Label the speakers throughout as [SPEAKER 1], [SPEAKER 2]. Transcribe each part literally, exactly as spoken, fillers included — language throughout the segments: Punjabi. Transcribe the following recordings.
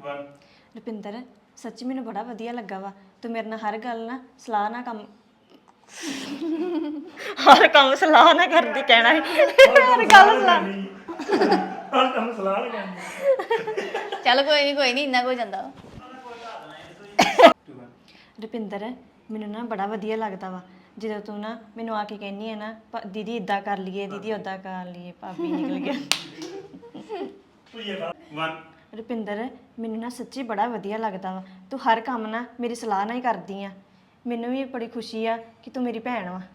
[SPEAKER 1] ਰੁਪਿੰਦਰ ਸੱਚੀ ਮੈਨੂੰ ਬੜਾ ਵਧੀਆ ਲੱਗਾ ਵਾ ਤੂੰ ਮੇਰੇ ਨਾਲ ਹਰ ਗੱਲ ਨਾ ਸਲਾਹ ਨਾ ਕੰਮ ਹਰ ਕੰਮ ਸਲਾਹ ਨਾ ਕਰਦੀ ਕਹਿਣਾ ਹੈ ਹਰ ਗੱਲ ਸਲਾਹ
[SPEAKER 2] ਹਰ ਕੰਮ ਸਲਾਹ ਨਾ ਕਰਨੀ
[SPEAKER 3] ਚੱਲ ਕੋਈ ਨਹੀਂ ਕੋਈ ਨਹੀਂ ਇੰਨਾ ਕੋਈ ਜਾਂਦਾ
[SPEAKER 1] ਰੁਪਿੰਦਰ ਮੈਨੂੰ ਨਾ ਬੜਾ ਵਧੀਆ ਲੱਗਦਾ ਵਾ ਜਦੋਂ ਤੂੰ ਨਾ ਮੈਨੂੰ ਆ ਕੇ ਕਹਿੰਨੀ ਹੈ ਨਾ ਭ- ਦੀਦੀ ਇਦਾਂ ਕਰ ਲਈਏ ਦੀਦੀ ਉਦਾਂ ਕਰ ਲਈਏ ਭਾਬੀ ਨਿਕਲ ਗਿਆ ਰੁਪਿੰਦਰ ਮੈਨੂੰ ਨਾ ਸੱਚੀ ਬੜਾ ਵਧੀਆ ਲੱਗਦਾ ਵਾ ਤੂੰ ਹਰ ਕੰਮ ਨਾ ਮੇਰੀ ਸਲਾਹ ਨਾਲ ਹੀ ਕਰਦੀ ਆ ਮੈਨੂੰ ਵੀ ਬੜੀ ਖੁਸ਼ੀ ਆ ਕਿ ਤੂੰ ਮੇਰੀ ਭੈਣ ਵਾ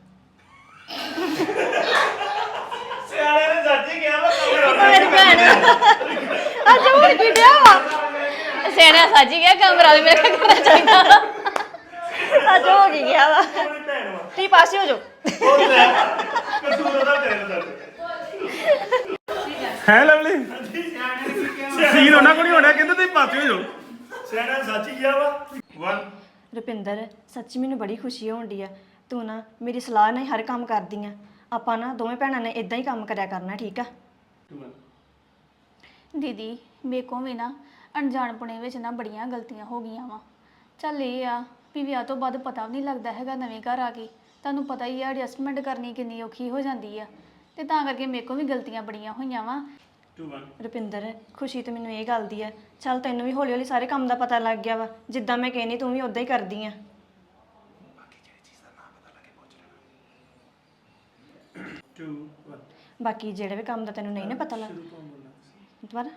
[SPEAKER 2] ਸਿਆਣੇ ਨੇ ਸੱਚੀ ਕਿਹਾ ਵਾ
[SPEAKER 3] ਮੇਰੀ ਭੈਣ
[SPEAKER 1] ਅੱਜ ਹੋਰ ਕੀ ਡਿਆ ਵਾ
[SPEAKER 3] ਸੇਨਾ ਸਾਜੀ ਗਿਆ ਕਮਰਾ ਵੀ ਮੇਰੇ ਕਰਨਾ ਚਾਹੀਦਾ
[SPEAKER 1] ਅੱਜ ਹੋ ਕੀ ਗਿਆ ਵਾ
[SPEAKER 2] ਮੇਰੀ ਭੈਣ ਵਾ
[SPEAKER 1] ਤੀ ਪਾਸੇ ਹੋ ਜਾਓ
[SPEAKER 2] ਉਹ ਲੈ ਕਸੂਰ ਉਹਦਾ ਤੇਰੇ ਦਾ
[SPEAKER 4] ਹੈ ਲਵਲੀ ਸੀਨ ਉਹਨਾਂ ਕੋਲ ਨਹੀਂ ਹੋਣਾ ਕਹਿੰਦੇ ਤੁਸੀਂ ਪਾਸੇ ਹੋ ਜਾਓ
[SPEAKER 2] ਸਿਆਣਾ ਸੱਚੀ ਕਿਹਾ ਵਾ ਇੱਕ
[SPEAKER 1] ਰੁਪਿੰਦਰ ਸੱਚੀ ਮੈਨੂੰ ਬੜੀ ਖੁਸ਼ੀ ਹੋਣ ਡਈ ਆ ਤੂੰ ਨਾ ਮੇਰੀ ਸਲਾਹ ਨਾਲ ਹੀ ਹਰ ਕੰਮ ਕਰਦੀ ਆ ਆਪਾਂ ਨਾ ਦੋਵੇਂ ਭੈਣਾਂ ਨੇ ਇਦਾਂ ਹੀ ਕੰਮ ਕਰਿਆ ਕਰਨਾ ਠੀਕ ਆ
[SPEAKER 3] ਦੀਦੀ ਮੇਰੇ ਕੋਲ ਵੀ ਨਾ ਅਣਜਾਣਪੁਣੇ ਵਿੱਚ ਨਾ ਬੜੀਆਂ ਗਲਤੀਆਂ ਹੋ ਗਈਆਂ ਵਾ ਚੱਲ ਇਹ ਆ ਵੀ ਵਿਆਹ ਤੋਂ ਬਾਅਦ ਪਤਾ ਵੀ ਨਹੀਂ ਲੱਗਦਾ ਹੈਗਾ ਨਵੇਂ ਘਰ ਆ ਕੇ ਤੁਹਾਨੂੰ ਪਤਾ ਹੀ ਆ ਐਡਜਸਟਮੈਂਟ ਕਰਨੀ ਕਿੰਨੀ ਔਖੀ ਹੋ ਜਾਂਦੀ ਆ ਤੇ ਤਾਂ ਕਰਕੇ ਮੇਰੇ ਕੋਲ ਵੀ ਗਲਤੀਆਂ ਬੜੀਆਂ ਹੋਈਆਂ ਵਾ
[SPEAKER 1] ਰੁਪਿੰਦਰ ਖੁਸ਼ੀ ਤੇ ਮੈਨੂੰ ਇਹ ਗੱਲ ਦੀ ਆ ਚੱਲ ਤੈਨੂੰ ਵੀ ਹੌਲੀ ਹੌਲੀ ਸਾਰੇ ਕੰਮ ਦਾ ਪਤਾ ਲੱਗ ਗਿਆ ਵਾ ਜਿੱਦਾਂ ਮੈਂ ਕਹਿੰਦੀ ਤੂੰ ਵੀ ਉਦਾਂ ਹੀ ਕਰਦੀ ਆ ਬਾਕੀ ਜਿਹੜੇ ਵੀ ਕੰਮ ਦਾ ਤੈਨੂੰ ਨਹੀਂ ਨਾ ਪਤਾ ਲੱਗ ਦੁਬਾਰਾ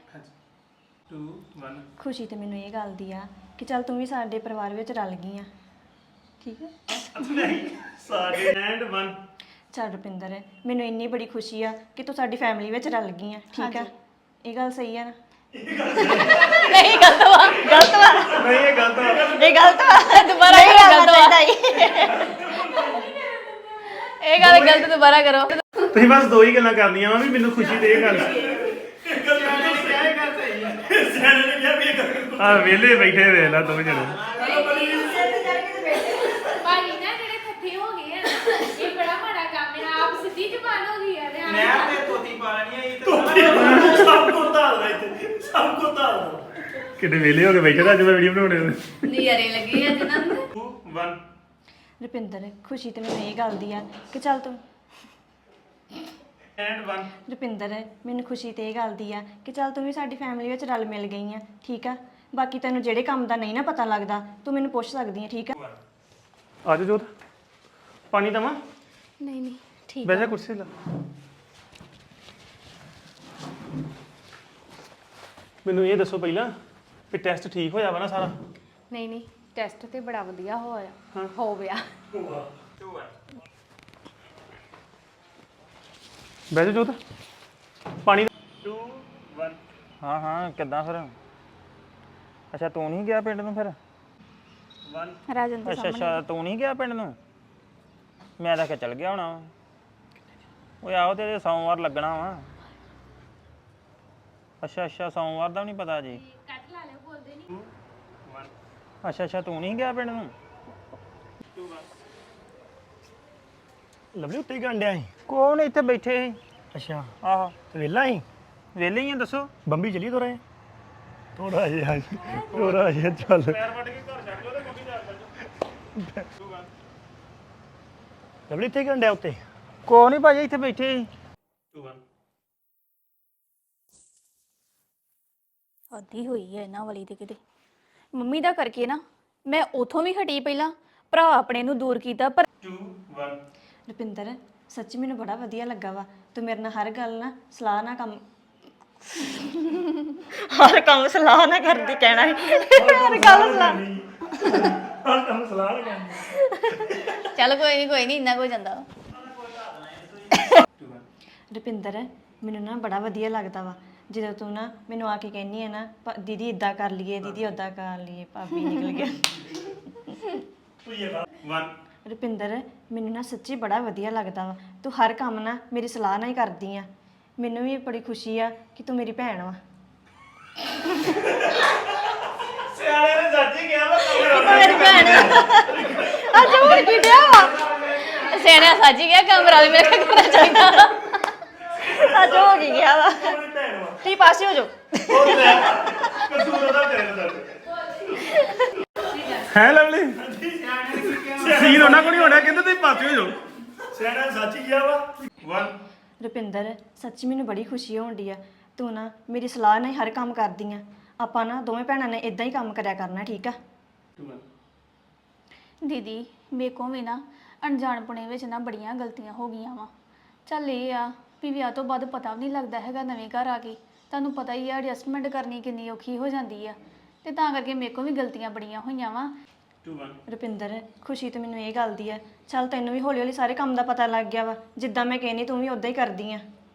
[SPEAKER 1] ਖੁਸ਼ੀ ਤੇ ਮੈਨੂੰ ਇਹ ਗੱਲ ਦੀ ਆ ਕਿ ਚੱਲ ਤੂੰ ਵੀ ਸਾਡੇ ਪਰਿਵਾਰ ਵਿੱਚ ਰਲ ਗਈ ਆ ਠੀਕ ਹੈ
[SPEAKER 2] ਸਾਡੇ ਐਂਡ ਇੱਕ
[SPEAKER 1] ਚੱਲ ਰੁਪਿੰਦਰ ਮੈਨੂੰ ਇੰਨੀ ਬੜੀ ਖੁਸ਼ੀ ਆ ਕਿ ਤੂੰ ਸਾਡੀ ਫੈਮਿਲੀ ਵਿੱਚ ਰਲ ਗਈ ਆ ਠੀਕ ਆ ਇਹ ਗੱਲ ਸਹੀ ਆ ਨਾ
[SPEAKER 3] ਨਹੀਂ ਗਲਤ ਵਾ
[SPEAKER 1] ਗਲਤ ਵਾ
[SPEAKER 2] ਨਹੀਂ ਇਹ ਗਲਤ ਆ
[SPEAKER 1] ਇਹ ਗਲਤ ਵਾ
[SPEAKER 3] ਦੁਬਾਰਾ
[SPEAKER 1] ਨਹੀਂ
[SPEAKER 3] ਕਰੋ,
[SPEAKER 1] ਕਰਨਾ
[SPEAKER 3] ਗਲਤ ਵਾ।
[SPEAKER 1] ਚਾਹੀਦਾ
[SPEAKER 3] ਇਹ ਗੱਲ ਗਲਤ ਦੁਬਾਰਾ ਕਰੋ
[SPEAKER 4] ਤੁਸੀਂ ਬਸ ਦੋ ਹੀ ਗੱਲਾਂ ਕਰਨੀਆਂ ਵਾ ਵੀ ਮੈਨੂੰ ਖੁਸ਼ੀ ਤੇ ਇਹ ਗੱਲ
[SPEAKER 2] ਸਿਆਣੇ ਨੇ ਕਿਹਾ ਵੀ ਇਹ ਗੱਲ
[SPEAKER 4] ਆ ਵਿਹਲੇ ਬੈਠੇ ਵੇਖ ਲਾ ਦੋਵੇਂ ਜਣੇ
[SPEAKER 5] ਭਾਜੀ ਨਾ ਜਿਹੜੇ ਇਕੱਠੇ ਹੋ ਗਏ ਆ ਨਾ, ਇਹ ਬੜਾ ਮਾੜਾ ਕੰਮ ਹੈ ਆਪ ਸਿੱਧੀ ਜ਼ੁਬਾਨ ਹੋ ਗਈ ਆ ਤੇ ਆਪ-
[SPEAKER 6] ਨਹਿਰ ਤੇ ਤੋਤੀ ਪਾ ਲੈਣੀ ਆ ਇਹ ਤਾਂ
[SPEAKER 2] ਸਭ ਕੋ ਧਾਲਦਾ ਇੱਥੇ ਸਭ ਕੋ ਧਾਲਦਾ
[SPEAKER 4] ਕਿਤੇ ਵਿਹਲੇ ਹੋ ਕੇ ਬੈਠੇ ਤਾਂ ਅੱਜ ਮੈਂ ਵੀਡੀਓ ਬਣਾਉਣੇ
[SPEAKER 3] ਨਜ਼ਾਰੇ ਲੱਗੇ ਆ ਜਿਨ੍ਹਾਂ ਨੂੰ
[SPEAKER 2] ਇੱਕ
[SPEAKER 1] ਰੁਪਿੰਦਰ ਖੁਸ਼ੀ ਤੇ ਮੈਨੂੰ ਇਹ ਗੱਲ ਦੀ ਆ ਕਿ ਚੱਲ ਤੂੰ
[SPEAKER 2] ਐਂਡ ਇੱਕ
[SPEAKER 1] ਰੁਪਿੰਦਰ ਮੈਨੂੰ ਖੁਸ਼ੀ ਤੇ ਇਹ ਗੱਲ ਦੀ ਆ ਕਿ ਚੱਲ ਤੂੰ ਵੀ ਸਾਡੀ ਫੈਮਿਲੀ ਵਿੱਚ ਰਲ ਮਿਲ ਗਈ ਆ ਠੀਕ ਆ ਬਾਕੀ ਤੈਨੂੰ ਜਿਹੜੇ ਕੰਮ ਦਾ ਨਹੀਂ ਨਾ ਪਤਾ ਲੱਗਦਾ ਤੂੰ ਮੈਨੂੰ ਪੁੱਛ ਸਕਦੀ ਆ ਠੀਕ ਆ
[SPEAKER 4] ਆ ਜਾ ਜੋਤ ਪਾਣੀ ਦਵਾਂ
[SPEAKER 3] ਨਹੀਂ ਨਹੀਂ ਠੀਕ
[SPEAKER 4] ਬੈਠਾ ਕੁਰਸੀ ਲਾ ਮੈਨੂੰ ਇਹ ਦੱਸੋ ਪਹਿਲਾਂ ਵੀ ਟੈਸਟ ਠੀਕ ਹੋਇਆ ਵਾ ਨਾ ਸਾਰਾ
[SPEAKER 5] ਨਹੀਂ ਨਹੀਂ ਟੈਸਟ ਤੇ ਬੜਾ ਵਧੀਆ ਹੋਇਆ
[SPEAKER 4] ਹਾਂ।
[SPEAKER 5] ਹੋ ਗਿਆ
[SPEAKER 4] ਬਹਿ ਜਾ ਜੋਤ ਪਾਣੀ
[SPEAKER 2] ਦੋ ਇੱਕ
[SPEAKER 6] ਹਾਂ ਹਾਂ ਕਿੱਦਾਂ ਫਿਰ ਅੱਛਾ ਤੂੰ ਨਹੀਂ ਗਿਆ ਪਿੰਡ ਨੂੰ ਫਿਰ
[SPEAKER 2] ਇੱਕ
[SPEAKER 3] ਰਾਜਨ ਦੇ
[SPEAKER 6] ਅੱਛਾ ਅੱਛਾ ਤੂੰ ਨਹੀਂ ਗਿਆ ਪਿੰਡ ਨੂੰ ਮੈਂ ਤਾਂ ਕਿ ਚੱਲ ਗਿਆ ਹੋਣਾ ਵਾ। ਓਏ ਆਹੋ ਤੇਰੇ ਸੋਮਵਾਰ ਲੱਗਣਾ ਵਾ ਅੱਛਾ ਅੱਛਾ ਸੋਮਵਾਰ ਦਾ ਵੀ ਨਹੀਂ ਪਤਾ ਜੀ
[SPEAKER 5] ਕੱਟ ਲਾ ਲਿਓ ਬੋਲਦੇ ਨਹੀਂ
[SPEAKER 6] ਅੱਛਾ ਅੱਛਾ ਤੂੰ ਨਹੀਂ ਗਿਆ ਪਿੰਡ ਨੂੰ
[SPEAKER 2] ਲਵਲੀ ਉੱਤੇ ਗੰਡਿਆ ਸੀ
[SPEAKER 6] ਕੋਣ ਇੱਥੇ ਬੈਠੇ ਸੀ
[SPEAKER 2] ਅੱਛਾ
[SPEAKER 6] ਆਹੋ
[SPEAKER 2] ਤੇ ਵੇਲਾ ਸੀ
[SPEAKER 6] ਵਿਹਲੇ ਹੀ ਆ ਦੱਸੋ
[SPEAKER 2] ਬੰਬੀ ਚਲੀ ਤੋਰੇ ਥੋੜਾ ਜਿਹਾ ਥੋੜਾ ਜਿਹਾ ਚੱਲ ਲਵਲੀ ਉੱਤੇ ਗੰਡਿਆ ਉੱਤੇ
[SPEAKER 6] ਕੋਹ ਨਹੀਂ ਭਾਜੀ ਇੱਥੇ ਬੈਠੇ ਸੀ
[SPEAKER 3] ਹੱਦੀ ਹੋਈ ਹੈ ਇਹਨਾਂ ਵਾਲੀ ਤੇ ਕਿਤੇ ਮੰਮੀ ਦਾ ਕਰਕੇ ਨਾ ਮੈਂ ਉਥੋਂ ਵੀ ਹਟੀ ਪਹਿਲਾਂ ਭਰਾ ਆਪਣੇ ਨੂੰ ਦੂਰ ਕੀਤਾ ਪਰ
[SPEAKER 1] ਰੁਪਿੰਦਰ ਸੱਚੀ ਮੈਨੂੰ ਬੜਾ ਵਧੀਆ ਲੱਗਾ ਵਾ ਤੂੰ ਮੇਰੇ ਨਾਲ ਹਰ ਗੱਲ ਨਾ ਸਲਾਹ ਨਾ ਕੰਮ ਹਰ ਕੰਮ ਸਲਾਹ ਨਾ ਕਰਦੀ ਕਹਿਣਾ ਹੈ ਹਰ ਗੱਲ ਸਲਾਹ
[SPEAKER 2] ਹਰ ਕੰਮ ਸਲਾਹ ਨਾ ਕਰਨੀ
[SPEAKER 3] ਚੱਲ ਕੋਈ ਨਹੀਂ ਕੋਈ ਨਹੀਂ ਇੰਨਾ ਕੋਈ ਜਾਂਦਾ
[SPEAKER 1] ਰੁਪਿੰਦਰ ਮੈਨੂੰ ਨਾ ਬੜਾ ਵਧੀਆ ਲੱਗਦਾ ਵਾ ਜਦੋਂ ਤੂੰ ਨਾ ਮੈਨੂੰ ਆ ਕੇ ਕਹਿੰਨੀ ਹੈ ਨਾ ਭ- ਦੀਦੀ ਇਦਾਂ ਕਰ ਲਈਏ ਦੀਦੀ ਉਦਾਂ ਕਰ ਲਈਏ ਭਾਬੀ ਨਿਕਲ ਗਿਆ ਰੁਪਿੰਦਰ ਮੈਨੂੰ ਨਾ ਸੱਚੀ ਬੜਾ ਵਧੀਆ ਲੱਗਦਾ ਵਾ ਤੂੰ ਹਰ ਕੰਮ ਨਾ ਮੇਰੀ ਸਲਾਹ ਨਾਲ ਹੀ ਕਰਦੀ ਆ ਮੈਨੂੰ ਵੀ ਬੜੀ ਖੁਸ਼ੀ ਆ ਕਿ ਤੂੰ ਮੇਰੀ ਭੈਣ ਵਾ
[SPEAKER 2] ਸਿਆਣੇ ਨੇ ਸੱਚੀ ਕਿਹਾ ਵਾ
[SPEAKER 1] ਮੇਰੀ ਭੈਣ ਅੱਜ ਹੋਰ ਕੀ ਡਿਆ ਵਾ
[SPEAKER 3] ਸੇਨਾ ਸਾਜੀ ਗਿਆ ਕਮਰਾ ਵੀ ਮੇਰੇ ਕਰਨਾ ਚਾਹੀਦਾ
[SPEAKER 1] ਅੱਜ ਹੋ ਕੀ ਗਿਆ ਵਾ
[SPEAKER 2] ਮੇਰੀ ਭੈਣ ਵਾ
[SPEAKER 1] ਤੀ ਪਾਸੇ ਹੋ ਜਾਓ
[SPEAKER 2] ਉਹ ਲੈ ਕਸੂਰ ਉਹਦਾ
[SPEAKER 4] ਹੈ ਲਵਲੀ ਸੀਨ ਉਹਨਾਂ ਕੋਲ ਨਹੀਂ ਹੋਣਾ ਕਹਿੰਦੇ ਤੁਸੀਂ ਪਾਸੇ ਹੋ ਜਾਓ
[SPEAKER 2] ਸਿਆਣਾ ਸੱਚ ਹੀ ਗਿਆ ਵਾ
[SPEAKER 4] ਵਨ
[SPEAKER 1] ਰੁਪਿੰਦਰ ਸੱਚੀ ਮੈਨੂੰ ਬੜੀ ਖੁਸ਼ੀ ਹੋਣ ਡਈ ਆ ਤੂੰ ਨਾ ਮੇਰੀ ਸਲਾਹ ਨਾਲ ਹੀ ਹਰ ਕੰਮ ਕਰਦੀ ਆ ਆਪਾਂ ਨਾ ਦੋਵੇਂ ਭੈਣਾਂ ਨੇ ਇਦਾਂ ਹੀ ਕੰਮ ਕਰਿਆ ਕਰਨਾ ਠੀਕ ਆ
[SPEAKER 3] ਦੀਦੀ ਮੇਰੇ ਕੋਲ ਵੀ ਨਾ ਅਣਜਾਣਪੁਣੇ ਵਿੱਚ ਨਾ ਬੜੀਆਂ ਗਲਤੀਆਂ ਹੋ ਗਈਆਂ ਵਾ ਚੱਲ ਇਹ ਆ ਵੀ ਵਿਆਹ ਤੋਂ ਬਾਅਦ ਪਤਾ ਵੀ ਨਹੀਂ ਲੱਗਦਾ ਹੈਗਾ ਨਵੇਂ ਘਰ ਆ ਕੇ ਤੁਹਾਨੂੰ ਪਤਾ ਹੀ ਆ ਐਡਜਸਟਮੈਂਟ ਕਰਨੀ ਕਿੰਨੀ ਔਖੀ ਹੋ ਜਾਂਦੀ ਆ ਤੇ ਤਾਂ ਕਰਕੇ ਮੇਰੇ ਕੋਲ ਵੀ ਗਲਤੀਆਂ ਬੜੀਆਂ ਹੋਈਆਂ ਵਾ
[SPEAKER 1] ਰੁਪਿੰਦਰ ਖੁਸ਼ੀ ਤੇ ਮੈਨੂੰ ਇਹ ਗੱਲ ਦੀ ਆ ਚੱਲ ਤੈਨੂੰ ਵੀ ਹੌਲੀ ਹੌਲੀ ਸਾਰੇ ਕੰਮ ਦਾ ਪਤਾ ਲੱਗ ਗਿਆ ਵਾ ਜਿੱਦਾਂ ਮੈਂ ਕਹਿੰਦੀ ਤੂੰ ਵੀ ਉਦਾਂ ਹੀ ਕਰਦੀ ਆ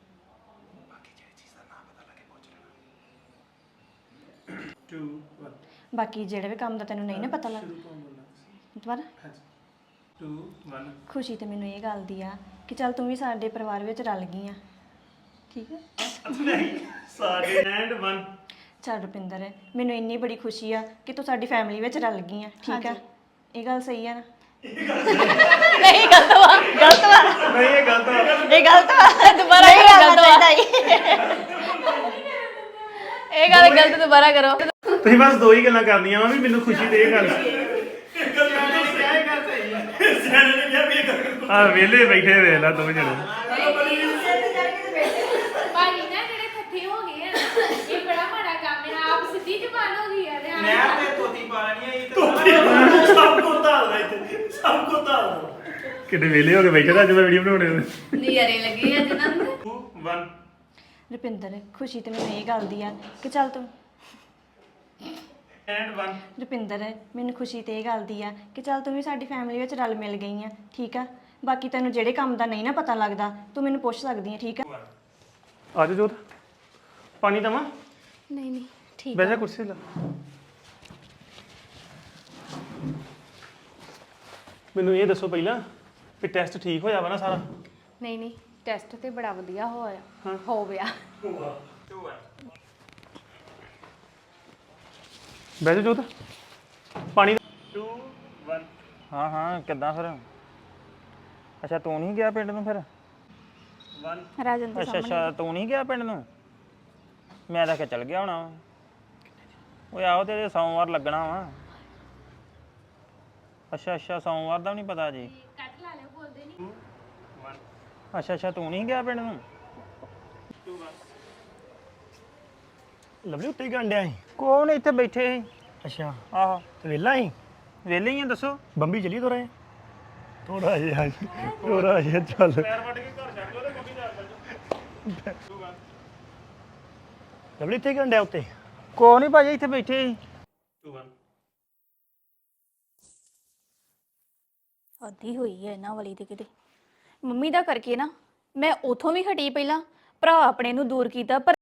[SPEAKER 1] ਬਾਕੀ ਜਿਹੜੇ ਵੀ ਕੰਮ ਦਾ ਤੈਨੂੰ ਨਹੀਂ ਨਾ ਪਤਾ ਲੱਗ ਦੁਬਾਰਾ ਖੁਸ਼ੀ ਤੇ ਮੈਨੂੰ ਇਹ ਗੱਲ ਦੀ ਆ ਕਿ ਚੱਲ ਤੂੰ ਵੀ ਸਾਡੇ ਪਰਿਵਾਰ ਵਿੱਚ ਰਲ ਗਈ ਆ ਠੀਕ ਆ
[SPEAKER 2] ਸਾਡੇ ਐਂਡ ਵਨ
[SPEAKER 1] ਚੱਲ ਰੁਪਿੰਦਰ ਮੈਨੂੰ ਇੰਨੀ ਬੜੀ ਖੁਸ਼ੀ ਆ ਕਿ ਤੂੰ ਸਾਡੀ ਫੈਮਿਲੀ ਵਿੱਚ ਰਲ ਗਈ ਆ ਠੀਕ ਆ ਇਹ ਗੱਲ ਸਹੀ ਆ ਨਾ ਨਹੀਂ ਗਲਤ ਵਾ ਗਲਤ ਵਾ
[SPEAKER 2] ਨਹੀਂ ਇਹ ਗਲਤ ਆ
[SPEAKER 1] ਇਹ ਗਲਤ ਵਾ ਦੁਬਾਰਾ ਇਹ ਗਲਤ ਵਾ
[SPEAKER 3] ਇਹ ਗੱਲ ਗਲਤ ਦੁਬਾਰਾ ਕਰੋ
[SPEAKER 4] ਤੁਸੀਂ ਬਸ ਦੋ ਹੀ ਗੱਲਾਂ ਕਰਨੀਆਂ ਵਾ ਵੀ ਮੈਨੂੰ ਖੁਸ਼ੀ ਤੇ ਇਹ ਗੱਲ
[SPEAKER 2] ਸਿਆਣੇ ਨੇ ਕਿਹਾ ਵੀ ਇਹ ਗੱਲ
[SPEAKER 4] ਆ ਵਿਹਲੇ ਬੈਠੇ ਵੇਖ ਲਾ ਦੋ ਜਣੇ
[SPEAKER 5] ਭਾਜੀ ਨਾ ਜਿਹੜੇ ਥੱਥੇ ਹੋ ਗਏ ਆ ਨਾ, ਇਹ ਬੜਾ ਮਾੜਾ ਕੰਮ ਹੈ ਆਪ ਸਿੱਧੀ ਜ਼ਬਾਨ ਹੋ ਗਈ ਆ ਤੇ
[SPEAKER 6] ਮੈਂ ਤੇ ਤੋਤੀ ਪਾਲਣੀ ਆਈ ਤੇ
[SPEAKER 2] ਸਭ ਕੋ ਧਾਲਦਾ ਇੱਥੇ ਸਭ ਕੋ ਧਾਲਦਾ
[SPEAKER 4] ਕਿਤੇ ਵਿਹਲੇ ਹੋ ਕੇ ਬੈਠੇ ਤਾਂ ਅੱਜ ਮੈਂ ਵੀਡੀਓ ਬਣਾਉਣੇ
[SPEAKER 3] ਨਜ਼ਾਰੇ ਲੱਗੇ ਅੱਜ ਨਾ
[SPEAKER 4] ਵਨ
[SPEAKER 1] ਰੁਪਿੰਦਰ ਖੁਸ਼ੀ ਤੇ ਮੈਨੂੰ ਇਹ ਗੱਲ ਦੀ ਆ ਕਿ ਚੱਲ ਤੂੰ
[SPEAKER 4] ਐਂਡ ਵਨ
[SPEAKER 1] ਰੁਪਿੰਦਰ ਮੈਨੂੰ ਖੁਸ਼ੀ ਤੇ ਇਹ ਗੱਲ ਦੀ ਆ ਕਿ ਚੱਲ ਤੂੰ ਵੀ ਸਾਡੀ ਫੈਮਿਲੀ ਵਿੱਚ ਰਲ ਮਿਲ ਗਈ ਆ ਠੀਕ ਆ ਬਾਕੀ ਤੈਨੂੰ ਜਿਹੜੇ ਕੰਮ ਦਾ ਨਹੀਂ ਨਾ ਪਤਾ ਲੱਗਦਾ ਤੂੰ ਮੈਨੂੰ ਪੁੱਛ ਸਕਦੀ ਆ ਠੀਕ ਆ
[SPEAKER 4] ਆ ਜਾ ਜੋਤ ਪਾਣੀ ਦਵਾਂ
[SPEAKER 3] ਨਹੀਂ ਨਹੀਂ ਠੀਕ
[SPEAKER 4] ਬਹਿ ਜਾ ਕੁਰਸੀ ਲਾ ਮੈਨੂੰ ਇਹ ਦੱਸੋ ਪਹਿਲਾਂ ਕਿ ਟੈਸਟ ਠੀਕ ਹੋਇਆ ਵਾ ਨਾ ਸਾਰਾ
[SPEAKER 7] ਨਹੀਂ ਨਹੀਂ ਟੈਸਟ ਤੇ ਬੜਾ ਵਧੀਆ ਹੋਇਆ ਹੋ ਗਿਆ
[SPEAKER 4] ਬਹਿ ਜਾ ਜੋਤ ਪਾਣੀ
[SPEAKER 2] ਟੂ ਵਨ
[SPEAKER 6] ਹਾਂ ਹਾਂ ਕਿੱਦਾਂ ਫਿਰ ਅੱਛਾ ਤੂੰ ਨਹੀਂ ਗਿਆ ਪਿੰਡ ਨੂੰ ਫਿਰ
[SPEAKER 2] ਵਨ
[SPEAKER 3] ਰਾਜਨ ਦੇ
[SPEAKER 6] ਅੱਛਾ ਅੱਛਾ ਤੂੰ ਨਹੀਂ ਗਿਆ ਪਿੰਡ ਨੂੰ ਮੈਂ ਤਾਂ ਕਿ ਚੱਲ ਗਿਆ ਹੋਣਾ ਓਏ ਆਓ ਤੇ ਸੋਮਵਾਰ ਲੱਗਣਾ ਵਾ ਅੱਛਾ ਅੱਛਾ ਸੋਮਵਾਰ ਦਾ ਵੀ ਨਹੀਂ ਪਤਾ ਜੀ
[SPEAKER 5] ਕੱਟ ਲਾ ਲਿਓ ਬੋਲਦੇ ਨਹੀਂ
[SPEAKER 6] ਅੱਛਾ ਅੱਛਾ ਤੂੰ ਨਹੀਂ ਗਿਆ ਪਿੰਡ ਨੂੰ
[SPEAKER 2] ਲਵਲੀ ਉੱਤੇ ਹੀ ਗੰਡਿਆ ਸੀ
[SPEAKER 6] ਕੋਣ ਇੱਥੇ ਬੈਠੇ ਸੀ
[SPEAKER 2] ਅੱਛਾ
[SPEAKER 6] ਆਹੋ
[SPEAKER 2] ਤੇ ਵੇਲਾ ਹੀ
[SPEAKER 6] ਵਿਹਲੇ ਹੀ ਆ ਦੱਸੋ
[SPEAKER 2] ਬੰਬੀ ਚਲੀ ਤੋਰੇ ਥੋੜਾ ਜਿਹਾ ਥੋੜਾ ਜਿਹਾ ਚੱਲ ਲਵਲੀ ਇੱਥੇ ਹੀ ਗੰਡਿਆ ਉੱਤੇ
[SPEAKER 6] ਕੋਣ ਨਹੀਂ ਭਾਜੀ ਇੱਥੇ ਬੈਠੇ ਸੀ
[SPEAKER 3] ਹੱਦੀ ਹੋਈ ਹੈ ਇਹਨਾਂ ਵਾਲੀ ਤੇ ਕਿਤੇ ਮੰਮੀ ਦਾ ਕਰਕੇ ਨਾ ਮੈਂ ਉਥੋਂ ਵੀ ਹਟੀ ਪਹਿਲਾਂ ਭਰਾ ਆਪਣੇ ਨੂੰ ਦੂਰ ਕੀਤਾ ਪਰ